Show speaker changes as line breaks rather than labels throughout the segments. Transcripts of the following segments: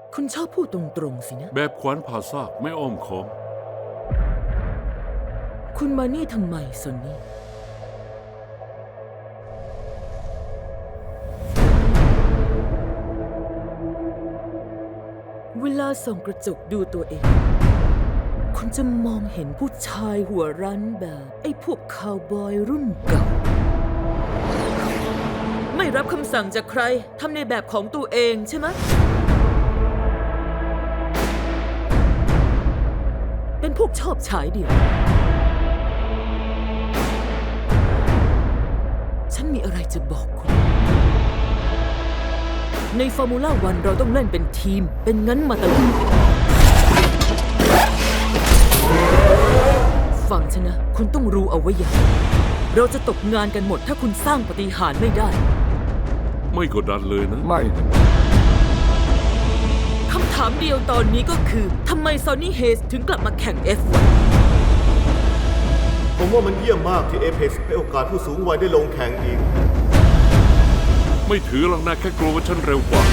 คุณชอบพูดตรงๆสินะ
แบบขวานผ่าซากไม่อ้อมค้อม
คุณมานี่ทำไมซอนนี่ เวลาส่องกระจกดูตัวเอง คุณจะมองเห็นผู้ชายหัวรั้นแบบไอ้พวกคาวบอยรุ่นเก่า ไม่รับคำสั่งจากใคร ทำในแบบของตัวเองใช่ไหม เป็นพวกชอบฉายเดี่ยว ฉันมีอะไรจะบอกคุณ ในฟอร์มูล่าวันเราต้องเล่นเป็นทีม เป็นงั้นมาตลอด ฟังฉันนะ คุณต้องรู้เอาไว้อย่างเราจะตกงานกันหมดถ้าคุณสร้างปาฏิหาริย์ไม่ได้
ไม่กดดันเลยนะ
ไม่นะ
คำถามเดียวตอนนี้ก็คือทำไมซอนนี่เฮสถึงกลับมาแข่ง F1
ผมว่ามันเยี่ยมมากที่ Apex ให้โอกาสผู้สูงวัยได้ลงแข่งอีก
ไม่ถือหรอกนะแค่กลัวว่าฉันเร็วกว่า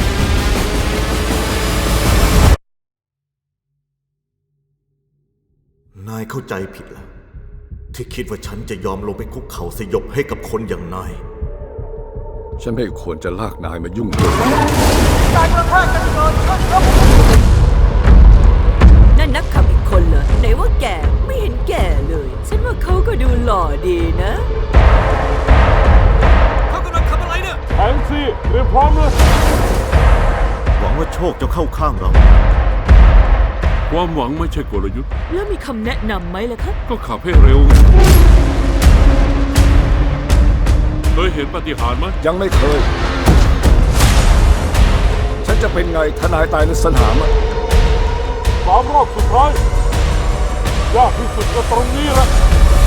นายเข้าใจผิดแล้ว ที่คิดว่าฉันจะยอมลงไปคุกเข่าสยบให้กับคนอย่างนาย
ฉันไม่ควรจะลากนายมายุ่งด้วย
นั่นนักขับอีกคนเหรอไหนว่าแก่ไม่เห็นแก่เลย ฉันว่าเขาก็ดูหล่อดีนะ
เขากำลังทำอะไรเนี่ย
แองซี่เตรียมพร้อมเลย
หวังว่าโชคจะเข้าข้างเรา
ความหวังไม่ใช่กลยุทธ์
แล้วมีคำแนะนำไหมล่ะครับ
ก็ขับให้เร็วเคยเห็นปาฏิหาริย์ไหม
ยังไม่เคย ฉันจะเป็นไงทนายตายในสนามอะ
3 รอบสุดท้าย ยากที่สุดก็ตรงนี้แหละ